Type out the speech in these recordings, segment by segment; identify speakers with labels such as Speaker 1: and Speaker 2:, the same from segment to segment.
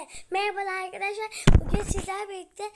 Speaker 1: Merhabalar arkadaşlar. Bugün sizlerle birlikte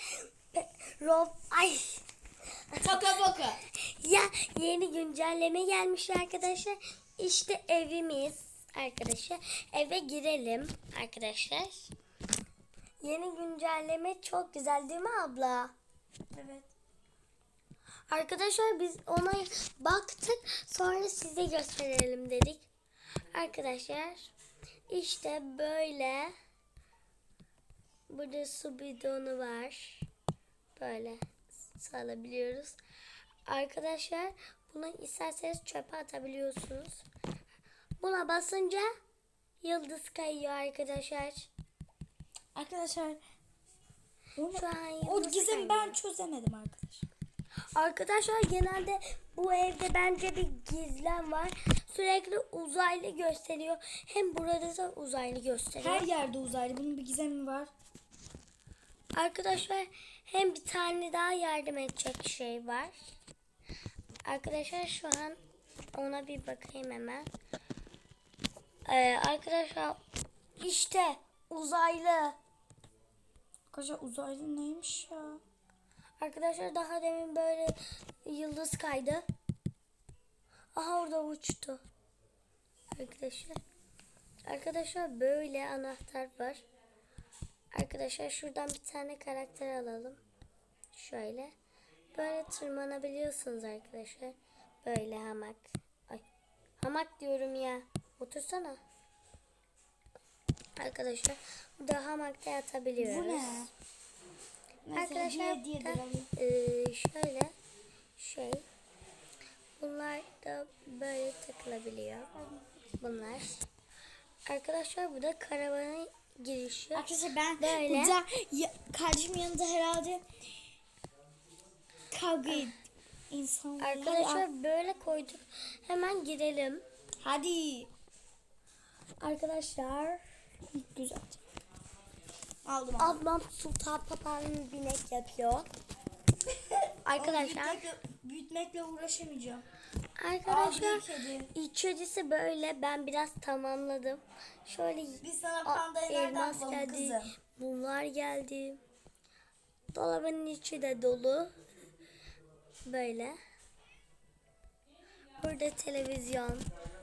Speaker 2: Toka boka.
Speaker 1: ya yeni güncelleme gelmiş arkadaşlar. İşte evimiz arkadaşlar. Eve girelim arkadaşlar. Yeni güncelleme çok güzel değil mi abla?
Speaker 2: Evet.
Speaker 1: Arkadaşlar biz ona baktık. Sonra size gösterelim dedik. Arkadaşlar işte böyle. Burada su bidonu var. Böyle salabiliyoruz. Arkadaşlar bunu isterseniz çöpe atabiliyorsunuz. Buna basınca yıldız kayıyor arkadaşlar.
Speaker 2: Arkadaşlar
Speaker 1: Şu an
Speaker 2: o
Speaker 1: yıldız
Speaker 2: gizemi
Speaker 1: kayıyor.
Speaker 2: ben çözemedim arkadaşlar.
Speaker 1: Arkadaşlar genelde bu evde bence bir gizem var. Sürekli uzaylı gösteriyor. Hem burada da uzaylı gösteriyor.
Speaker 2: Her yerde uzaylı. Bunun bir gizemi var.
Speaker 1: Arkadaşlar hem bir tane daha yardım edecek şey var. Arkadaşlar şu an ona bir bakayım hemen. Arkadaşlar işte uzaylı.
Speaker 2: Arkadaşlar uzaylı neymiş ya?
Speaker 1: Arkadaşlar daha demin böyle yıldız kaydı. Aha orada uçtu. Arkadaşlar böyle anahtar var. Arkadaşlar şuradan bir tane karakter alalım. Şöyle. Böyle tırmanabiliyorsunuz arkadaşlar. Böyle hamak. Ay. Hamak diyorum ya. Otursana. Arkadaşlar burada hamakta yatabiliyoruz.
Speaker 2: Bu ne? Neyse,
Speaker 1: Arkadaşlar
Speaker 2: hediye
Speaker 1: da,
Speaker 2: edelim.
Speaker 1: şöyle şey. Bunlar da böyle takılabiliyor. Bunlar. Arkadaşlar bu da karavanın girişi.
Speaker 2: Arkadaşlar ben
Speaker 1: Böyle.
Speaker 2: burada kardeşimin yanında herhalde kavga insanlar.
Speaker 1: Arkadaşlar böyle koyduk. Hemen girelim.
Speaker 2: Hadi.
Speaker 1: Arkadaşlar
Speaker 2: Güzel. Aldım.
Speaker 1: ablam Sultan Papağan'ın binek yapıyor. Arkadaşlar
Speaker 2: Büyütmekle uğraşamayacağım.
Speaker 1: Arkadaşlar
Speaker 2: kedi.
Speaker 1: içerisi böyle, ben biraz tamamladım. Şöyle
Speaker 2: Biz sana pandayı nereden
Speaker 1: elmas
Speaker 2: bulalım
Speaker 1: geldi.
Speaker 2: kızım?
Speaker 1: Bunlar geldi. Dolabın içi de dolu. Böyle. Burada televizyon.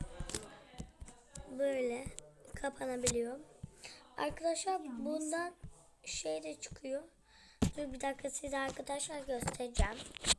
Speaker 1: Böyle kapanabiliyor. Arkadaşlar bundan şey de çıkıyor. Dur bir dakika size arkadaşlar göstereceğim.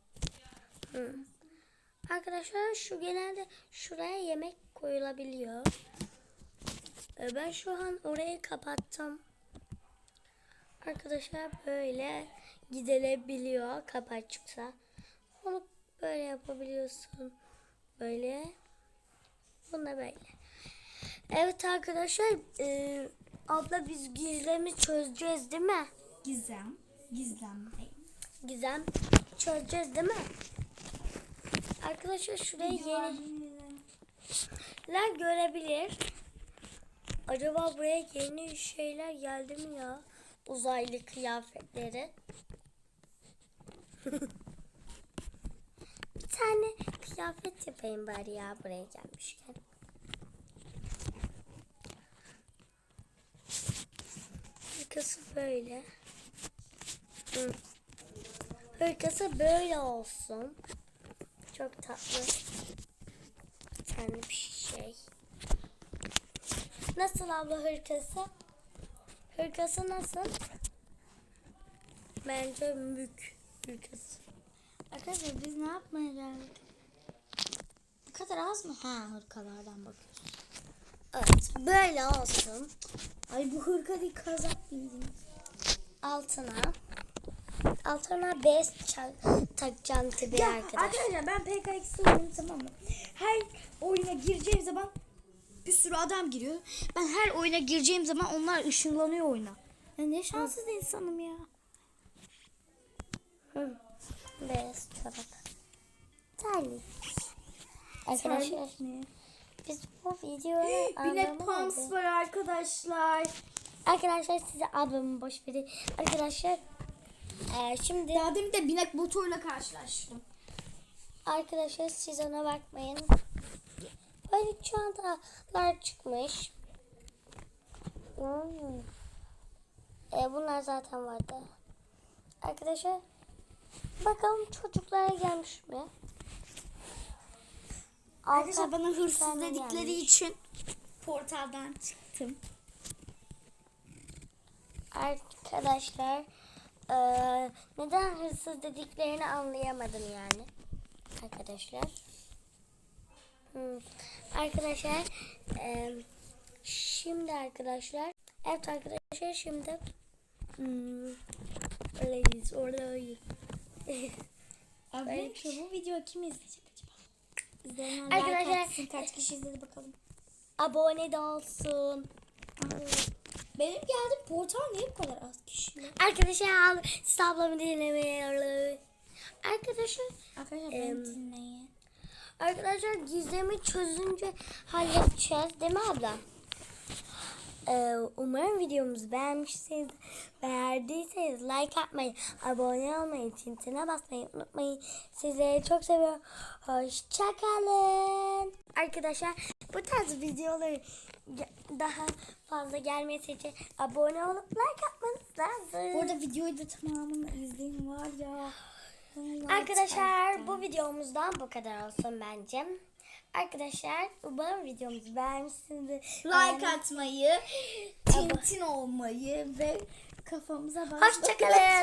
Speaker 1: Arkadaşlar şu genelde şuraya yemek koyulabiliyor. Ben şu an orayı kapattım. Arkadaşlar böyle gidilebiliyor kapı açıksa. Onu böyle yapabiliyorsun. Böyle. Bunu da böyle. Evet arkadaşlar abla biz gizemi çözeceğiz değil mi?
Speaker 2: Gizem.
Speaker 1: Gizem çözeceğiz değil mi? Arkadaşlar şuraya yeniler görebilir. Acaba buraya yeni şeyler geldi mi ya? Uzaylı kıyafetleri. Bir tane kıyafet yapayım bari ya buraya gelmişken. Hırkası böyle. Hırkası böyle olsun. Çok tatlı. Bir tane bir şey. Nasıl abla hırkası? Hırkası nasıl? Bence mük hırkası.
Speaker 2: Arkadaşlar biz ne yapmaya geldik? Bu kadar az mı? Ha, hırkalardan bakıyoruz.
Speaker 1: Evet böyle olsun.
Speaker 2: Ay bu hırka değil, kazak bildiğiniz.
Speaker 1: Altına bez takacağım tabii
Speaker 2: Ya
Speaker 1: arkadaşlar.
Speaker 2: ben PKX'i oynuyorum, tamam mı? Her oyuna gireceğim zaman bir sürü adam giriyor. Ben her oyuna gireceğim zaman onlar ışınlanıyor oyuna. Ya ne şanssız insanım ya.
Speaker 1: Bez çorap. Terlik. Arkadaşlar biz bu videoyu
Speaker 2: Binek pumps var arkadaşlar.
Speaker 1: Arkadaşlar size ablamı boş verin. Arkadaşlar şimdi
Speaker 2: Daha demin de binek motorla karşılaştım.
Speaker 1: arkadaşlar siz ona bakmayın. Böyle çantalar çıkmış. Bunlar zaten vardı. Arkadaşlar bakalım çocuklara gelmiş mi?
Speaker 2: Arkadaşlar bana hırsız
Speaker 1: tane
Speaker 2: dedikleri
Speaker 1: gelmiş.
Speaker 2: için portaldan çıktım.
Speaker 1: Arkadaşlar neden hırsız dediklerini anlayamadım yani. Arkadaşlar. Arkadaşlar şimdi arkadaşlar evet arkadaşlar şimdi oradayız.
Speaker 2: Arkadaşlar bu videoyu kim izleyecek acaba? İzleyenler
Speaker 1: Arkadaşlar-
Speaker 2: like atsın. Kaç kişi izledi bakalım.
Speaker 1: Abone de olsun.
Speaker 2: Benim geldiğim portal niye bu kadar az kişi?
Speaker 1: Arkadaşlar siz ablamı dinlemeyi. Arkadaşlar
Speaker 2: Arkadaşlar beni dinleyin.
Speaker 1: Arkadaşlar gizemi çözünce halledeceğiz değil mi abla? Umarım videomuzu beğendiyseniz like atmayı, abone olmayı, tintine basmayı unutmayın. Sizleri çok seviyorum. Hoşçakalın. Arkadaşlar bu tarz videoları daha fazla gelmesi için abone olup like atmanız lazım.
Speaker 2: Bu arada videoyu da tamamını izleyin var ya.
Speaker 1: Arkadaşlar bu videomuzdan bu kadar olsun bence. Arkadaşlar umarım videomuzu beğenmişsinizdir.
Speaker 2: Like atmayı, tintin olmayı ve kafamıza basmayı.
Speaker 1: Hoşçakalın.